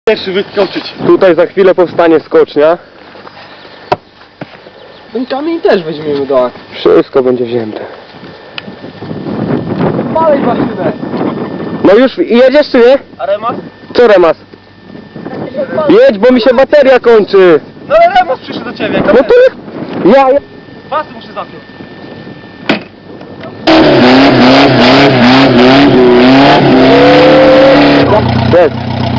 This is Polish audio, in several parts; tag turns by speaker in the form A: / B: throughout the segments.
A: Pierwszy wyskoczyć.
B: Tutaj za chwilę powstanie skocznia.
A: Ten kamień też weźmiemy do akcji.
B: Wszystko będzie wzięte.
A: Dalej maszynę.
B: No już jedziesz czy nie?
A: A remas?
B: Co remas? Jedź, bo mi się bateria kończy.
A: No ale remas przyszedł do ciebie.
B: No to ja...
A: Pasy muszę zapiąć.
B: Jest.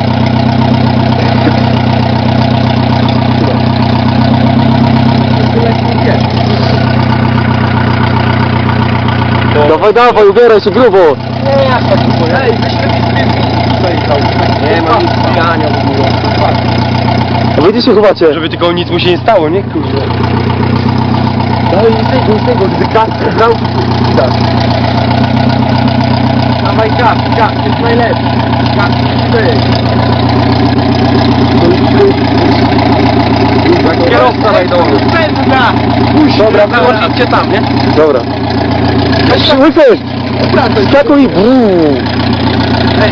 B: Dawaj, dawaj, ubieraj się grubo.
A: Nie, jak tak było. Ej, wyślepi sobie zajechał. Nie ma nic pijania w ogóle.
B: A wy gdzie się chowacie?
A: Żeby tylko nic mu się nie stało, nie? Kurde. Dawaj, z tego, gdy gaz brał, tak. Dawaj gaz, jest najlepszy. Gaz, ty. Kierowca najdolny. Spędna!
B: Dobra,
A: wyłączyć cię tam, nie?
B: Dobra. Łypy! Skakuj!
A: Ej.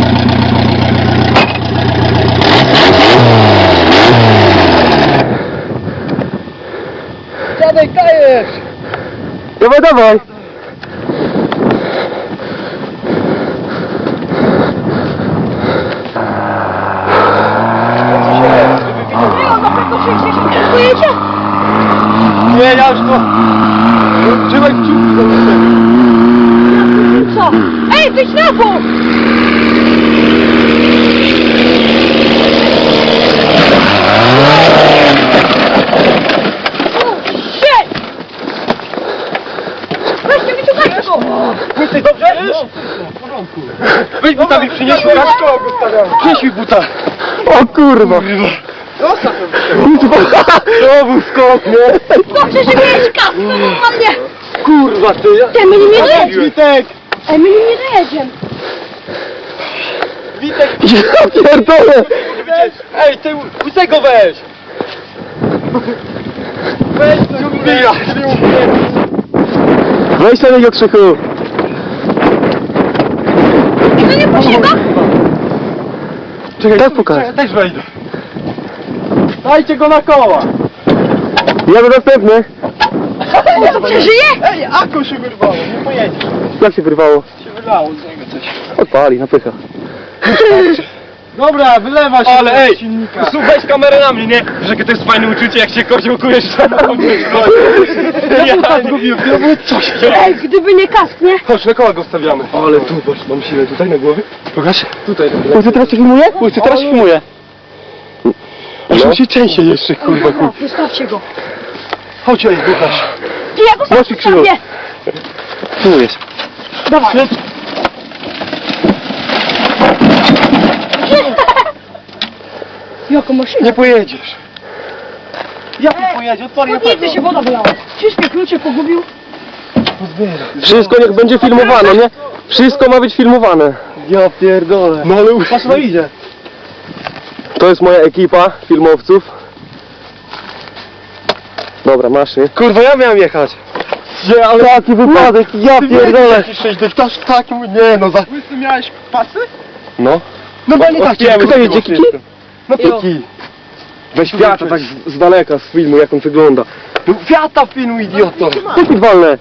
A: Dawaj, dajesz!
B: Dawaj, dawaj!
A: Nie, ja już to... Trzymaj kciuki za mnie.
C: Co? Ej, ty ślepo! Shit! Weźcie mi tu kaczko!
A: Jesteś dobrze? No, w porządku. Weź buta mi przynieś, Kaczko go stawiam. Przynieś mi buta.
B: O kurwa!
A: Zostaw to.
B: To był skok, nie?
C: Dobrze, że miałeś kasę, no mnie!
A: Kurwa ty.
C: Ty, my nim nie dojedziemy!
A: Witek!
C: Ej, my nim nie dojedziemy!
A: Witek!
B: Ja pierdolę!
A: Ej, ty łysego weź! Weź to nie ubija!
B: Weź na niego, Krzychu!
C: I to nie posieba?
B: Czekaj, tak pokaż.
A: Też wejdę. Dajcie go na koła!
B: Ja do następny.
C: On co, przeżyje?
A: Ej, Ako się wyrwało, nie pojedziesz.
B: Jak się wyrwało?
A: Się wylało z niego coś.
B: Odpali, napycha.
A: Dobra, wylewa się. Ale ej, weź kamerę na mnie, nie? Wiesz, jakie to jest fajne uczucie, jak się koziołkujesz samochodem. Ja tam zgubiłem, to było coś.
C: Ej, gdyby nie kask, nie?
A: Chodź, na koła go stawiamy. Ale tu, patrz, mam siłę tutaj na głowie. Pokaż. Tutaj.
B: Ujcy, teraz się filmuje? Ujcy, teraz się filmuje.
A: Aż
B: No.
A: mu się częściej jeszcze, kurwa, kurwa.
C: Wystawcie go.
A: Chodź, ej, Łukasz.
C: Ty, ja go sam
B: Nosi krzywo.
C: zostawię!
B: Filmujesz.
C: Dawaj. Jako maszyna.
A: Nie pojedziesz. Jak nie pojedzie? Odpali
C: Podjedzie się, woda wylała. Wszystkie klucze pogubił.
B: Wszystko niech będzie filmowane, nie? Wszystko ma być filmowane.
A: Ja pierdolę. No ale patrz, no idzie.
B: To jest moja ekipa filmowców. Dobra, masz, nie?
A: Kurwa, ja miałem jechać.
B: Nie, ale jaki wypadek, ja pierdolę.
A: Tak, nie no, za... Ty miałeś pasy?
B: No.
A: No bo nie tak.
B: Kto jedzie, Kiki?
A: No Kiki.
B: Weź Fiata tak z daleka, z filmu, jak on wygląda.
A: No Fiata filmu, idioto.
B: Jaki walne?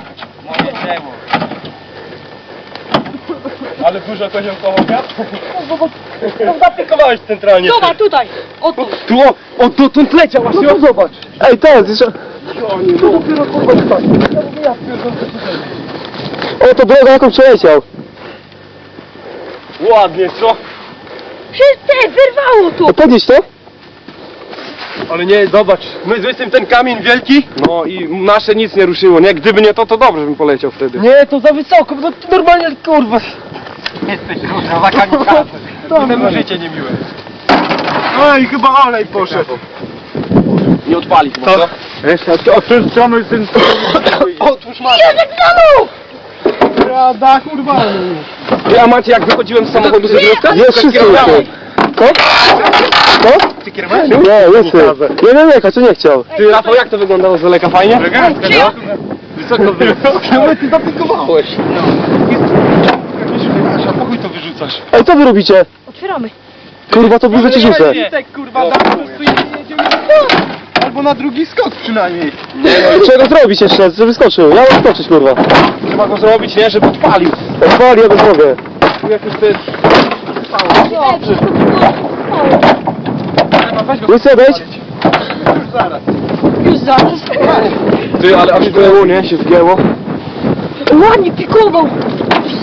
A: Ale dużo koziołkowo wiatr? No zapikowałeś centralnie.
C: Zobacz, tutaj. Oto.
A: Tu, o, dotąd leciał właśnie,
B: No to zobacz. Ej, teraz jeszcze...
A: To dopiero kurwa tak.
B: O, to droga jaką przeleciał.
A: Ładnie, co?
C: Wszyscy, wyrwało tu.
B: No podnieś to.
A: Ale nie, zobacz, my zwykłym ten kamień wielki.
B: No i nasze nic nie ruszyło, nie? Gdyby nie to, to dobrze bym poleciał wtedy.
A: Nie, to za wysoko, no to normalnie, kurwa. Jesteś kurwa, za kamikazem. Potem życie niemiłe. Oj, chyba olej poszedł.
B: Nie odpali chyba,
A: Co?
B: Jeszcze,
A: Oczyszczamy ten... Otwórz masę.
C: Józek znowu!
A: Rada, kurwa.
B: A macie jak wychodziłem z samochodu z jednostka? Jest wszystko już. Co? Co?
A: Ty kierowałeś?
B: Nie, jest. Nie, nie, co nie chciał. Ty, Rafał, jak to wyglądało z daleka? Fajnie?
C: Przyjął?
A: Wysoko było. No ty zapikowałeś. Pokój to wyrzucasz.
B: Ej, co wy robicie?
C: Otwieramy.
B: Kurwa, to burzę ci rzucę.
A: Tak kurwa, jedziemy albo na drugi skok przynajmniej.
B: Trzeba go zrobić jeszcze, żeby skoczył. Ja mam skoczyć, kurwa.
A: Trzeba go zrobić, nie? Żeby odpalił.
B: Odpali, ja go zrobię.
A: Jak już to jest...
B: Łysy, odejdź.
A: Już zaraz.
C: Już zaraz.
B: Ty, ale aż wgięło, nie? Się wgięło.
C: Ładnie pikował.